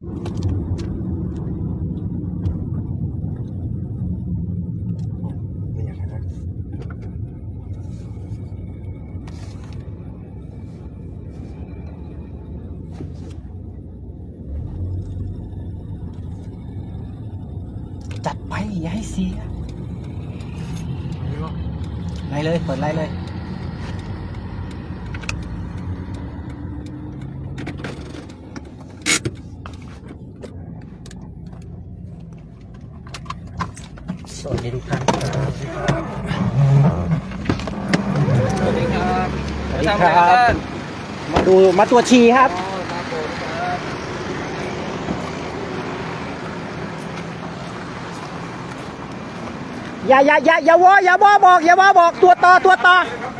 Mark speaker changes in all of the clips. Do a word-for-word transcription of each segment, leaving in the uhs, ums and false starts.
Speaker 1: จัดไปอย่าให้เสียไล่เลยเปิดไล่เลยสวัสดีทุกท่านครับสวัสดีครับสวัสดีครับมาดูมาตัวชีครับอย่าอย่าอย่าอย่าวออย่าวอบอกอย่าวอบอกตัวต่อตัวต่อ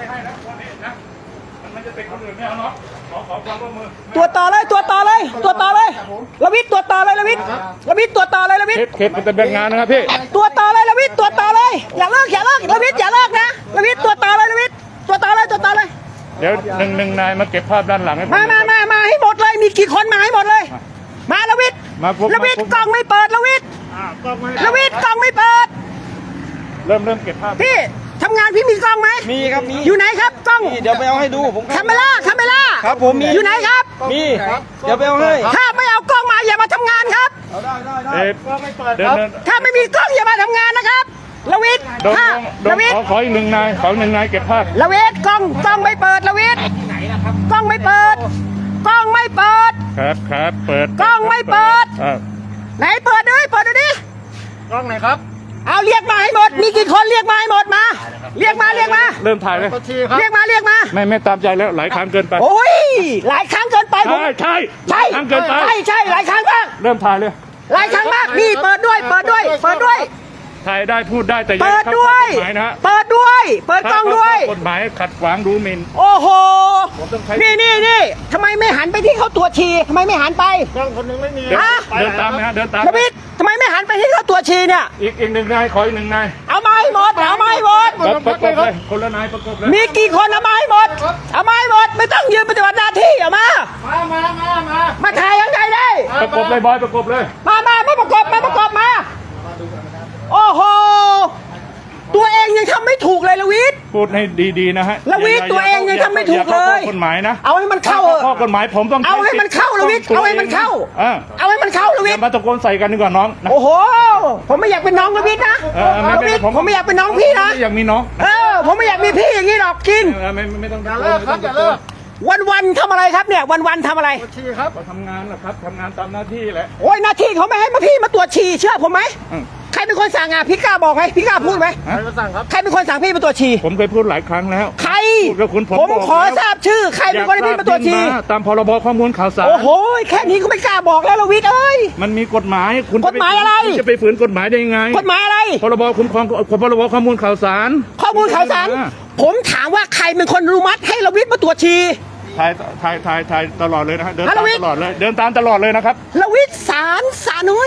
Speaker 1: ตัวต่อเลยตัวต่อเลยตัวต่อเลยระวิทย์ตัวต่อเลยระวิทย์ระวิทย์ตัวต่อเลยระวิทย์
Speaker 2: เขตมันจะเป็นงานนะครับพี่
Speaker 1: ตัวต่อเลยระวิทย์ตัวต่อเลยอย่าเลิกอย่าเลิกระวิทย์อย่าเลิกนะระวิทย์ตัวต่อเลยระวิทย์ตัวต่อเลยตัวต่อเลย
Speaker 2: เดี๋ยวหนึ่งหนึ่งนายมาเก็บภาพด้านหลังให้ผม
Speaker 1: มามามามาให้หมดเลยมีกี่คนมาให้หมดเลยมาระวิทย์ระวิทย์กล้องไม่เปิดระวิทย์ระวิทย์กล้องไม่เปิด
Speaker 2: เริ่มเริ่มเก็บภาพ
Speaker 1: พี่ทำงานพี่มีกล้องไหม
Speaker 3: มีครับมี
Speaker 1: อยู่ไหนครับกล้อง
Speaker 3: เดี๋ยวไปเอาให้ดูผม
Speaker 1: คาเมล่าคาเมล่า
Speaker 3: ครับผมมี
Speaker 1: อยู่ไหนครับ
Speaker 3: มีเดี๋ยวไปเอาให้
Speaker 1: ถ้าไม่เอากล้องมาอย่ามาทำงานครับ
Speaker 3: ได้ได้ได้
Speaker 2: ก็ไม่เปิดครับ
Speaker 1: ถ้าไม่มีกล้องอย่ามาทำงานนะครับระวิทย์ถ้าระวิทย์
Speaker 2: ขอขออีกหนึ่งนายขอหนึ่งนายเก็บภาพ
Speaker 1: ระวิทย์กล้องกล้องไม่เปิดระวิทย์กล้องไม่เปิดกล้องไม่เปิด
Speaker 2: ครับครับเปิด
Speaker 1: กล้องไม่เปิดไหนเปิดด้วยเปิดดูดิ
Speaker 3: กล้องไหนครับ
Speaker 1: เอาเรียกมาให้หมดมีกี่คนเรียกมาให้หมดมาเรียกมาเรียกมา
Speaker 2: เริ่มถ่ายเลย
Speaker 1: เรียกมาเรียกมา
Speaker 2: ไม่ไม่ตามใจแล้วหลายครั้งเกินไป
Speaker 1: โอ้ยหลายครั้งเกินไป
Speaker 2: ใช่ใช่
Speaker 1: ใช่
Speaker 2: ครั้งเกินไป
Speaker 1: ใช่ใช่หลายครั้งมาก
Speaker 2: เริ่มถ่ายเลย
Speaker 1: หลายครั้งมากนี่เปิดด้วยเปิดด้วยเปิดด้วย
Speaker 2: ถ่ายได้พูดได้แต่
Speaker 1: เปิดด้วยเปิดด้วยเปิดกล้องด้วย
Speaker 2: กฎหมายขัดขวางดูหมิ่น
Speaker 1: โอ้โหนี่นี่นี่ทำไมไม่หันไปที่เขาตรวจฉี่ทำไมไม่หันไป
Speaker 3: กล้องคนนึงไม่มี
Speaker 2: เดินตามนะเดินตาม
Speaker 1: ระวิทย์ทำไมไม่หันไปที่เขาตรวจฉี่เนี่ย
Speaker 2: อีกอีกหนึ่งนายขออีกหนึ่งนาย
Speaker 1: เอามาให้หมดเอามาให้หมด
Speaker 2: ประกบเลยคนละนายประกบเลย
Speaker 1: มีกี่คนเอามาให้หมดเอามาให้หมดไม่ต้องยืนปฏิบัติหน้าที่เอามา
Speaker 3: มามามามา
Speaker 1: มาถ่ายยังไงได้
Speaker 2: ประกบเลยบอยประกบเลย
Speaker 1: มามาไม่ประกบมาประกบมาโอ้โหตัวเองยังทำไม่ถูกเลยละวิทย์
Speaker 2: พูดให้ดีๆนะฮะ
Speaker 1: ละวิทย์ตัวเองยังทำไม่ถูกเลย
Speaker 2: กฎหมายนะ
Speaker 1: เอาให้มันเข้า
Speaker 2: ข้อกฎหมายผมต้อง
Speaker 1: เอาให้มันเข้าละวิทย์เอาให้มันเข้าเอาให้มันเข้าละวิทย์
Speaker 2: มาตะโกนใส่กันดีกว่าน้อง
Speaker 1: โอ้โหผมไม่อยากเป็นน้องละวิทย์นะละวิทย์ผมไม่อยากเป็นน้องพี่นะ
Speaker 2: อยากมีน้อง
Speaker 1: เออผมไม่อยากมีพี่อย่างนี้หรอกกิน
Speaker 2: ไม่ไม่ต้อง
Speaker 3: อย่าเลิกครับอย่าเลิก
Speaker 1: วันวันทำอะไรครับเนี่ยวันวันทำอะไร
Speaker 3: ฉี่ครับ
Speaker 2: ทำงานนะครับทำงานตามหน้าที่แหละ
Speaker 1: โอ้ยหน้าที่เขาไม่ให้มาพี่มาตรวจฉี่เชื่อผมไหมใครเป็นคนสั่งอ่ะพี่กล้าบอกไหมพี่กล้าพูดไหม
Speaker 3: ใครเป็นคนสั่งครับ
Speaker 1: ใครเป็นคนสั่งพี่มาตรวจฉี่
Speaker 2: ผมเคยพูดหลายครั้งแล้ว
Speaker 1: ใครผมขอทราบชื่อใครเป็นคนให้พี่มาตรวจฉี่
Speaker 2: ตามพรบข้อมูลข่าวสาร
Speaker 1: โอ้โหแค่นี้ก็ไม่กล้าบอกแล้วละวิทย์เอ้ย
Speaker 2: มันมีกฎหมายคุณ
Speaker 1: กฎหมายอะไร
Speaker 2: จะไปฝืนกฎหมายได้ยังไง
Speaker 1: กฎหมายอะไร
Speaker 2: พรบคุ้มครองพรบข้อมูลข่าวสาร
Speaker 1: ข้อมูลข่าวสารผมถามว่าใครเป็นคนอนุมัติให้ละวิทย์มาตรวจฉี่
Speaker 2: ถ่ายถ่ายถ่ายถ่ายตลอดเลยนะฮะเดินตามตลอดเลยเดินตามตลอดเลยนะครับ
Speaker 1: ละวิทย์สารสาน้อย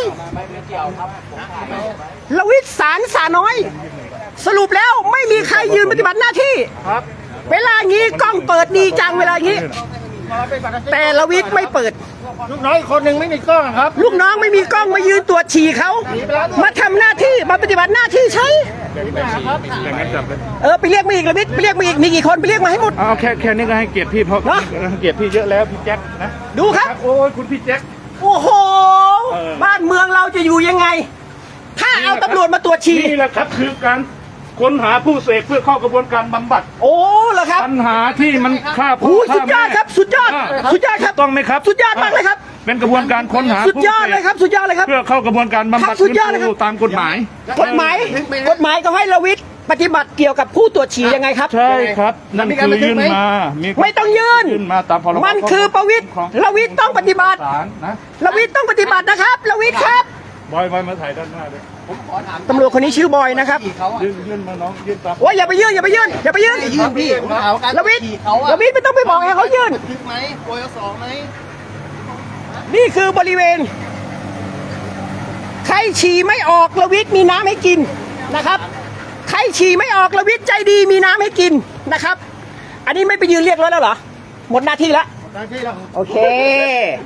Speaker 1: ละวิทย์สารสาน้อยสรุปแล้วไม่มีใครยืนปฏิบัติหน้าที่
Speaker 3: ครับ
Speaker 1: เวลางี้กล้องเปิดดีจังเวลางี้แต่ละวิทย์ไม่เปิด
Speaker 3: ลูกน้องอีกคนหนึ่งไม่มีกล้องครับ
Speaker 1: ลูกน้องไม่มีกล้องมายืนตรวจฉี่เขามาทำหน้าที่มาปฏิบัติหน้าที่ใช่เออไปเรียกมาอีกละวิทย์ไปเรียกมาอีกมีกี่คนไปเรียกมาให้หมด
Speaker 2: เอาแค่แค่นี้ก็ให้เกียรติพี่เพราะเกียรติพี่เยอะแล้วพี่แจ็คนะ
Speaker 1: ดูครับ
Speaker 2: โอ้ยคุณพี่แจ็ค
Speaker 1: โอ้โหบ้านเมืองเราจะอยู่ยังไงถ้าเอาตำรวจมาตรวจฉี่
Speaker 2: นี่แหละครับคือการค้นหาผู้เสพเพื่อเข้ากระบวนการบำบัด
Speaker 1: โอ้เหรอครับ
Speaker 2: ปัญหาที่มันฆ่า
Speaker 1: ผู้สุดยอดครับสุดยอดสุดยอดครับ
Speaker 2: ต้องไหมครับ
Speaker 1: สุดยอดมากเลยครับ
Speaker 2: เป็นกระบวนการค้นหา
Speaker 1: สุดยอดเลยครับสุดยอดเลยครับ
Speaker 2: เพื่อเข้ากระบวนการบำบัด
Speaker 1: สุดยอดเลยครับ
Speaker 2: ตามกฎหมาย
Speaker 1: กฎหมายกฎหมายก็ให้ละวิทย์ปฏิบัติเกี่ยวกับผู้ตรวจฉี่ยังไงครับ
Speaker 2: ใช่ครับนั่นคือยื่นมา
Speaker 1: ไม่ต้องยื่น
Speaker 2: มาตามพรบ
Speaker 1: มันคือประวิตรละวิทย์ต้องปฏิบัติละวิทย์ต้องปฏิบัตินะครับละวิทย์ครับ
Speaker 2: บอยบอยมาถ่ายด้านหน้าเลย
Speaker 1: ผมขอถามตำรวจคนนี้ชื่อบอยนะครับ
Speaker 2: ยื่นยื่นมาน้องยื่นตาม
Speaker 1: โอ้ยอย่าไปยื่นอย่าไปยื่นอย่าไปยื่น
Speaker 3: ยื่นพี่
Speaker 1: ละวิทย์ละวิทย์ไม่ต้องไปบอกให้เขายื่น
Speaker 3: ทึกไหมโปรยสองไหม
Speaker 1: นี่คือบริเวณใครฉี่ไม่ออกละวิทย์มีน้ำให้กินนะครับใครฉี่ไม่ออกละวิทย์ใจดีมีน้ำให้กินนะครับอันนี้ไม่ไปยืนเรียกรถแล้วเหรอหมดหน้าที่แล้ว
Speaker 3: หมดหน้าที่แล้ว
Speaker 1: โอเค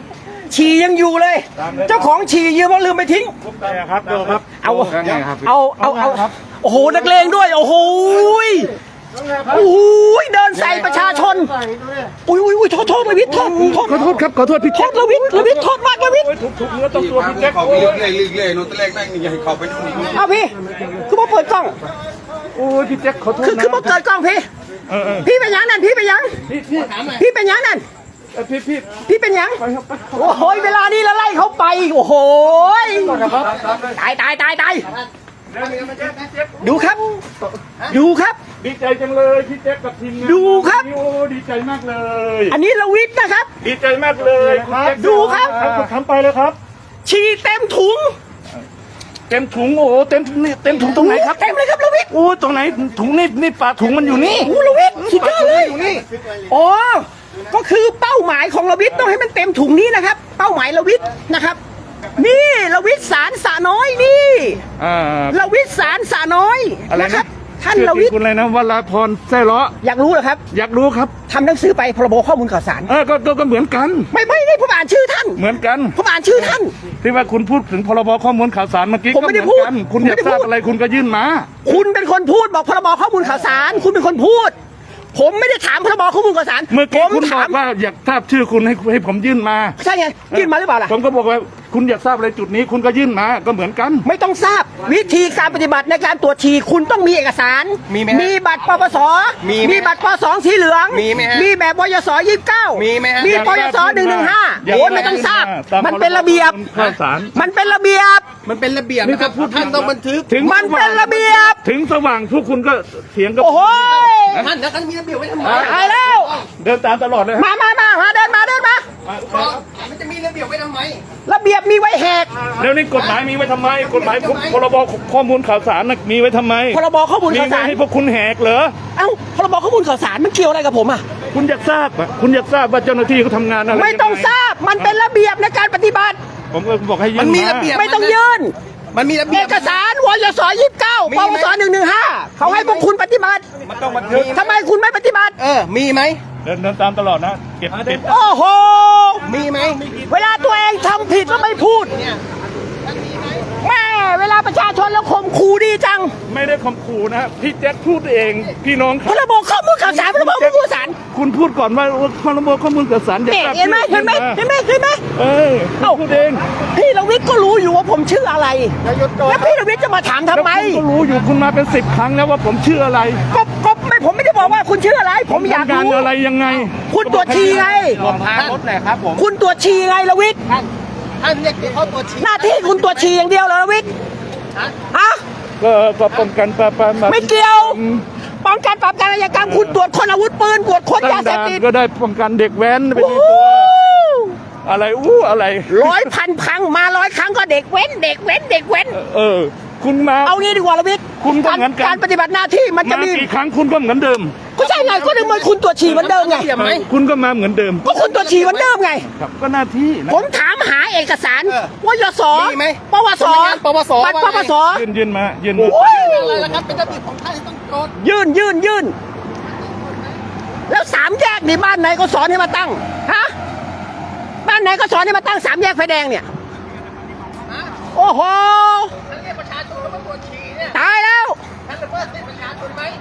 Speaker 1: ฉี่ยังอยู่เลย เจ้าของฉี่ยืมเอาลืมไปทิ้ง
Speaker 2: แต่ครับดูครับ
Speaker 1: เอาเอาเอาเอาโอ้โหนักเลงด้วยโอ้โหยโอ้โหยเดินใส่ประชาชนอุ้ยอุ้ยอุ้ยโทษโทษระวิทย์โทษโทษ
Speaker 2: ขอโทษครับขอโทษพี่
Speaker 1: โท
Speaker 2: แจ็ค
Speaker 1: ษระวิทย์ระวิทย์โทษมากระวิทย์
Speaker 2: ถูกถูกเนื้อต้องตัวพี่แจ็ค
Speaker 4: เขาไปเรื่อยๆเรื่อยๆนู่นตะแรกนั่งนี่ให้เขาไปนู่นนี่
Speaker 1: เอาพี่คือมาเปิดกล้อง
Speaker 2: โอ้ยพี่แจ็คขอโทษ
Speaker 1: คือ
Speaker 2: นะ
Speaker 1: คือมาเปิดกล้องพี่
Speaker 2: เออเออ
Speaker 1: พี่เป็นหยังนั่นพี่เป็นหยัง
Speaker 2: พี่พี่
Speaker 1: พี่เป็นหยังนั่น
Speaker 2: เออพี่พี่
Speaker 1: พี่เป็นหยัง
Speaker 2: ไปครับไป
Speaker 1: โอ้โหเวลานี้เราไล่เขาไปโอ้โหตายตายตายตายดูครับ ดูครับ
Speaker 2: ดีใจจังเลยพี่แจ็คกับทีมงาน
Speaker 1: ดูครับ
Speaker 2: โอ้ดีใจมากเลย
Speaker 1: อันนี้ระวิทย์นะครับ
Speaker 2: ดีใจมากเลยคุณแจ็ค
Speaker 1: ดูครับ
Speaker 2: เอาทำไปเลยครับ
Speaker 1: ฉี่เต็มถุง
Speaker 2: เต็มถุงโอ้โหเต็มนี่เต็มถุงตรงไหนครับ
Speaker 1: เต็มเลยครับระวิทย์
Speaker 2: โอ้ตรงไหนถุงนี่นี่ปลาถุงมันอยู่นี่
Speaker 1: โอ้ระวิทย์สุดยอดเลยอ๋อก็คือเป้าหมายของระวิทย์ต้องให้มันเต็มถุงนี้นะครับ เป้าหมายระวิทย์นะครับ นี่ระวิทย์สารสะน้อยนี่
Speaker 2: อ่า
Speaker 1: ระวิทย์สารสะน้อย
Speaker 2: อะไร
Speaker 1: นะค
Speaker 2: นะ
Speaker 1: รับ ท่าน
Speaker 2: ชื่อ
Speaker 1: ระวิทย์
Speaker 2: คุณอะไรนะวราพรแซ่ล้อ
Speaker 1: อยากรู้เหรอครับ
Speaker 2: อยากรู้ครับ
Speaker 1: ทำหนังสือไปพรบข้อมูลข่าวสาร
Speaker 2: เออก็ก็ก็เหมือนกัน
Speaker 1: ไม่ไม่ได้ผมอ่านชื่อท่าน
Speaker 2: เหมือนกัน
Speaker 1: ผมอ่านชื่อท่าน
Speaker 2: ที่ว่าคุณพูดถึงพรบข้อมูลข่าวสารเมื่อกี้
Speaker 1: ผมไม่ได้
Speaker 2: ก็เหอนกัน
Speaker 1: พูด
Speaker 2: คุณอยาก
Speaker 1: ผมไม่ได้
Speaker 2: ทราบ
Speaker 1: พูด
Speaker 2: อะไรคุณก็ยื่นมา
Speaker 1: คุณเป็นคนพูดบอกพรบข้อมูลข่าวสาร คุณเป็นคนพูด ผมไม่ได้ถามพรบข้อมูลข่าวสาร
Speaker 2: เมื่อ
Speaker 1: ผ
Speaker 2: กี้
Speaker 1: ม
Speaker 2: คุณบ
Speaker 1: ถา
Speaker 2: อ
Speaker 1: ม
Speaker 2: กว่าอยากทราบชื่อคุณให้ให้ผมยื่นมา
Speaker 1: ใช่ไงยื่นมาหรือเปล่าล่ะ
Speaker 2: ผมก็บอกว่าคุณอยากทราบอะไรจุดนี้คุณก็ยื่นมาก็เหมือนกัน
Speaker 1: ไม่ต้องทราบวิธีการปฏิบัติในการตรวจฉี่คุณต้องมีเอกสาร
Speaker 3: มีไหมฮะ
Speaker 1: มีบัตรปปส
Speaker 3: มีไหม
Speaker 1: มีบัตรปสองสีเหลือง
Speaker 3: มีไหมฮะ
Speaker 1: มีแบบบยสยี่สิบเก้า
Speaker 3: มีไหมฮะ
Speaker 1: มีปยสหนึ่งหนึ่งห้า
Speaker 2: อยาก
Speaker 1: โอ้ยไม่ต้องทราบ
Speaker 2: ตาม
Speaker 1: มันเป็นระเบียบ
Speaker 2: ข้าวสาร
Speaker 1: มันเป็นระเบียบ
Speaker 3: มันเป็นระเบียบนะครับท่านต้องบันทึก
Speaker 2: ถึง
Speaker 1: มันเป็นระเบียบ
Speaker 2: ถึงสว่างพวกคุณก็เถียงกับ
Speaker 1: โอ้โห
Speaker 3: ท่านแล้วท่านมีระเบียบไว้ทำไม
Speaker 1: ตายแล้ว
Speaker 2: เดินตามตลอดเลย
Speaker 1: มามามามาเดินมาเดินมา
Speaker 3: มันจะมีระเบียบไว้ทำไม
Speaker 1: ระเบียบมีไว้แหก
Speaker 2: แล้วนี่กฎหมายมีไว้ทำไม กฎหมายพรบข้อมูลข่าวสารน่ะมีไว้ทำไม
Speaker 1: พรบข้อมูล
Speaker 2: มี
Speaker 1: ข่าว
Speaker 2: ไว้
Speaker 1: สาร
Speaker 2: ให้พวกคุณแหกเหรอ
Speaker 1: เอ้าพรบข้อมูลข่าวสารมันเกี่ยวอะไรกับผมอ่ะ
Speaker 2: คุณอยากทราบอ่ะคุณอยากทราบว่าเจ้าหน้าที่เขาทำงานอะไร
Speaker 1: ไม่ต้อง
Speaker 2: ยัไ
Speaker 1: ทราบมันเป็นระเบียบในการปฏิบัติ
Speaker 2: ผมก็บอกให้ยื่น
Speaker 3: มันมีระเบียบ
Speaker 1: ไม่ต้องยื่น
Speaker 3: มันมีระเบี
Speaker 1: เอย
Speaker 3: บ
Speaker 1: กสารวยสยี่สิบเก้า
Speaker 3: มี
Speaker 1: ป
Speaker 3: ไหม
Speaker 1: วสหนึ่งหนึ่งห้าเขาให้พวกคุณปฏิบัติ
Speaker 2: มันต้องบันทึก
Speaker 1: ทำไมคุณไม่ปฏิบัติ
Speaker 3: เออ มีไหม
Speaker 2: เดินเดินตามตลอดนะเก็บเก็บ
Speaker 1: โอ้โห
Speaker 3: มีไหม
Speaker 1: เวลาตัวเองทำผิดแล้วไม่พูดแม่เวลาประชาชนแล้วข่มขู่ดีจัง
Speaker 2: ไม่ได้ข่มขู่นะพี่แจ็คพูดเองพี่น้อง
Speaker 1: พรบข้อมูลข่าวสารพรบข้อมูลข่าวสาร
Speaker 2: คุณพูดก่อนว่าพรบข้อมูลข่าวสารอยาก
Speaker 1: เนี่ย
Speaker 2: ทราบ
Speaker 1: เห็นไหมเห็นไหมเห็นไหมเห็นไหม
Speaker 2: เออ
Speaker 1: เอ้า
Speaker 2: พูดเอง
Speaker 1: พี่ระวิทย์ก็รู้อยู่ว่าผมชื่ออะไร แล้วพี่ระวิทย์จะมาถามทำไม
Speaker 2: แล้วคุณก็รู้อยู่คุณมาเป็นสิบครั้งแล้วว่าผมชื่ออะไร
Speaker 1: ก็ก็ไม่ผมไม่ได้บอกว่าคุณชื่ออะไร ผมอยาก
Speaker 2: ทำงาน
Speaker 1: รู้
Speaker 2: อะไรยังไง
Speaker 1: คุณตรวจฉี่ไง
Speaker 3: ผมพารถหน่อยครับผม
Speaker 1: คุณตรวจฉี่ไงระวิทย์
Speaker 3: ท่านเรียกเขาตัวชี้
Speaker 1: หน้าที่คุณตรวจฉี่อย่างเดียวเหรอระวิทย์ฮะ
Speaker 2: ก็ก็ป้องกันปราบปราม
Speaker 1: ไม่เกี่ยว ป้องกันปราบการอาชญากรรมคุณตรวจคนอาวุธปืนตรวจคน
Speaker 2: ตั้
Speaker 1: ยาง เสพ
Speaker 2: ด่าน
Speaker 1: ติด
Speaker 2: ก็ได้ป้องกันเด็กแว้นไป
Speaker 1: โอ้
Speaker 2: ใน
Speaker 1: โห
Speaker 2: ตัวอะไรอู้อะไร
Speaker 1: ร้อยพันครั้งมาร้อยครั้งก็เด็กเว้น เด็กเว้น เด็กเว้น
Speaker 2: เออ คุณมา
Speaker 1: เอางี้ดีกว่าระวิทย์
Speaker 2: คุณก็เหมือนกัน
Speaker 1: การปฏิบัติหน้าที่มันจะ
Speaker 2: มา
Speaker 1: มี
Speaker 2: กี่ครั้งคุณก็เหมือนเดิม
Speaker 1: ก็ใช่ไงก็ถึงมันคุณตรวจฉี่เหมือนเดิมไง
Speaker 2: คุณก็มาเหมือนเดิม
Speaker 1: ก็คุณตรวจฉี่เหมือนเดิมไง
Speaker 2: ครับก็หน้าที่นะ
Speaker 1: ผมถามหาเอกสารวยส
Speaker 3: มีไหม
Speaker 1: ปวส
Speaker 3: สำนักงานปวส
Speaker 1: บัตรป
Speaker 3: ว่าไง
Speaker 1: วส
Speaker 2: ยืนยืนมายืนมา
Speaker 1: โอ้ย
Speaker 3: อะไรล่ะครับ เป็นระเบียบของท่านที่ต้องโจทย์
Speaker 1: ยื่นยื่นยื่นแล้วสามแยกนี่บ้านไหนก็สอนให้มาตั้งฮะบ้านไหนก็สอนให้มาตั้งสามแยกไฟแดงเนี่ยโอ้โห
Speaker 3: ท่านเรียกประชาชนเข้ามาตรวจฉี่เนี่ย
Speaker 1: ตายแล้ว
Speaker 3: ท่านละเมิดสิทธิประชาชนไหม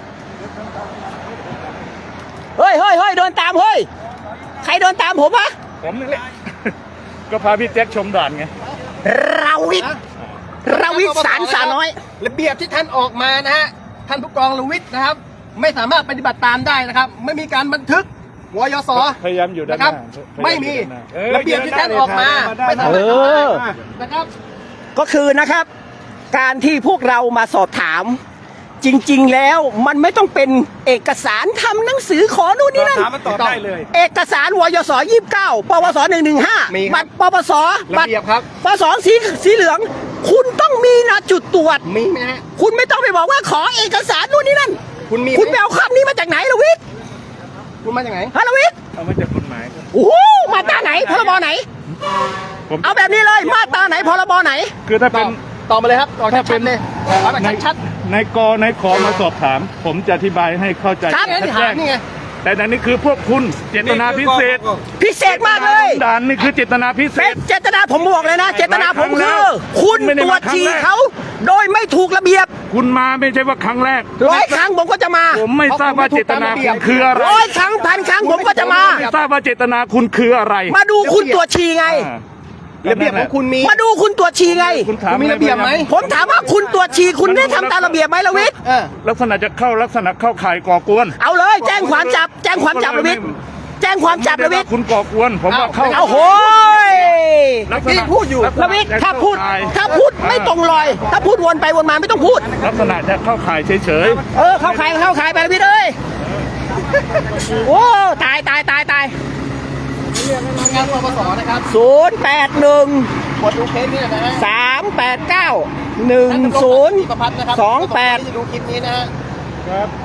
Speaker 1: เฮ้ยเฮ้ยเฮ้ยเดินตามเฮ้ยใครเดินตามผมวะ
Speaker 2: ผมนี่แหละ ก็พาพี่แจ็คชมด่านไง
Speaker 1: เราวิทย์เราวิทย์สารสาน้อย
Speaker 3: ระเบียบที่ท่านออกมานะฮะ ท่านผู้กองลวิทย์นะครับ ไม่สามารถปฏิบัติตามได้นะครับ ไม่มีการบันทึกวยส
Speaker 2: พยายามอยู่ด้าน
Speaker 3: นะ
Speaker 2: ห
Speaker 3: ครั
Speaker 2: น้า
Speaker 3: บ ไม่มี
Speaker 2: ออ
Speaker 3: ระเบียบที่ท่านออกมา ไม่สามารถ
Speaker 1: เออ
Speaker 3: ทำได้นะครับ
Speaker 1: ก็คือนะครับ การที่พวกเรามาสอบถาม จริง ๆ แล้วมันไม่ต้องเป็นเอกสารทำหนังสือขอนู่นนี่นั่น
Speaker 2: ถามมันตอบได้เลย
Speaker 1: เอกสารวยสยี่สิบเก้าปวสหนึ่งหนึ่งห้า
Speaker 3: มีครับ
Speaker 1: บัตรปปส
Speaker 3: ระเบียบครับ
Speaker 1: ปสองสีสีเหลือง คุณต้องมีนะจุดตรวจ
Speaker 3: มีไหมฮะ
Speaker 1: คุณไม่ต้องไปบอกว่าขอเอกสารนู่นนี่นั่น
Speaker 3: คุณมีไหม
Speaker 1: คุณไปเอาคำนี้มาจากไหนละวิทย์
Speaker 3: คุณมาจากไหน
Speaker 1: ฮะละวิทย์
Speaker 2: เอามาจากกฎหมายครับ
Speaker 1: โอ้โหมาตราไหนพรบไหน
Speaker 2: ผม
Speaker 1: เอาแบบนี้เลยมาตราไหนพรบไหน
Speaker 2: คือถ้าเป็น
Speaker 3: ต่อมาเลยครับต่อชัดๆเลยเอาแบบ
Speaker 2: ใน
Speaker 3: ชัด
Speaker 2: ในกในขอมาสอบถาม ผมจะอธิบายให้เข้าใจ
Speaker 1: ครับ
Speaker 3: ๆนี่ไง
Speaker 2: ชัด
Speaker 3: ถามนี่ไง
Speaker 2: ๆแต่อันนี้คือพวกคุณเจตนาพิเศษ
Speaker 1: พิเศษมากเลย
Speaker 2: ด่านนี่คือเจตนาพิเศ
Speaker 1: เป็
Speaker 2: ษ
Speaker 1: นเจตนาผมบอกเลยนะ เจตนาผม
Speaker 2: หลายครั้งแล้
Speaker 1: คือ
Speaker 2: ว
Speaker 1: คุณ
Speaker 2: ไม่ได้
Speaker 1: ตรว
Speaker 2: มา
Speaker 1: จ
Speaker 2: ครั้ง
Speaker 1: ฉี่
Speaker 2: แรก
Speaker 1: เขาโดยไม่ถูกระเบียบ
Speaker 2: คุณมาไม่ใช่ว่าครั้งแรก
Speaker 1: ร้อยครั้งผมก็จะมา
Speaker 2: ผมไม่ทราบว่าเจตนาคุณคืออะไร
Speaker 1: ร้อยครั้งพันครั้งผมก็จะมา
Speaker 2: ไม่ทราบว่าเจตนาคุณคืออะไร
Speaker 1: มาดูคุณตรวจฉี่ไง
Speaker 2: อ่า
Speaker 3: ระเบียบของคุณมี
Speaker 1: มาดูคุณตรวจฉี่ไง
Speaker 2: คุณถาม
Speaker 3: คุณมีระเบียบไหม
Speaker 1: ผมถามว่าคุณตรวจฉี่คุณได้ทำตามระเบียบไหมละวิทย์
Speaker 3: เออ
Speaker 2: ลักษณะจะเข้าลักษณะเข้าข่ายก่อกวน
Speaker 1: เอาเลย แจ้งความจับ แจ้งความจับละวิทย์แจ้งความจับละวิทย์
Speaker 2: คุณก่อกวน ผมว่าเข้า
Speaker 1: เอาโหย
Speaker 2: ลักษ
Speaker 3: ที่
Speaker 2: ณะ
Speaker 3: พูดอยู่
Speaker 2: ลักษณ
Speaker 1: ละวิทย์ถ้าพูด
Speaker 2: เข้ข่ย
Speaker 1: ถ้าพูดไม่ตรงรอย ถ้าพูดวนไปวนมาไม่ต้องพูด
Speaker 2: ลักษณะจะเข้าข่ายเฉย
Speaker 1: เออเข้าขายเข้าขายไปละวิทย์เอ้ยโอ้ตายตายตายตาย
Speaker 3: งานปปสนะครับ
Speaker 1: ศูนย์แปดหนึ่ง
Speaker 3: กดดูเคสนี้นะฮะ
Speaker 1: สามแปดเก้าหนึ่งศูนย์
Speaker 3: ประพัฒน์นะครับ
Speaker 1: สองแปด
Speaker 3: ที่จะดูคลิปนี้นะฮะ
Speaker 2: ๆครับ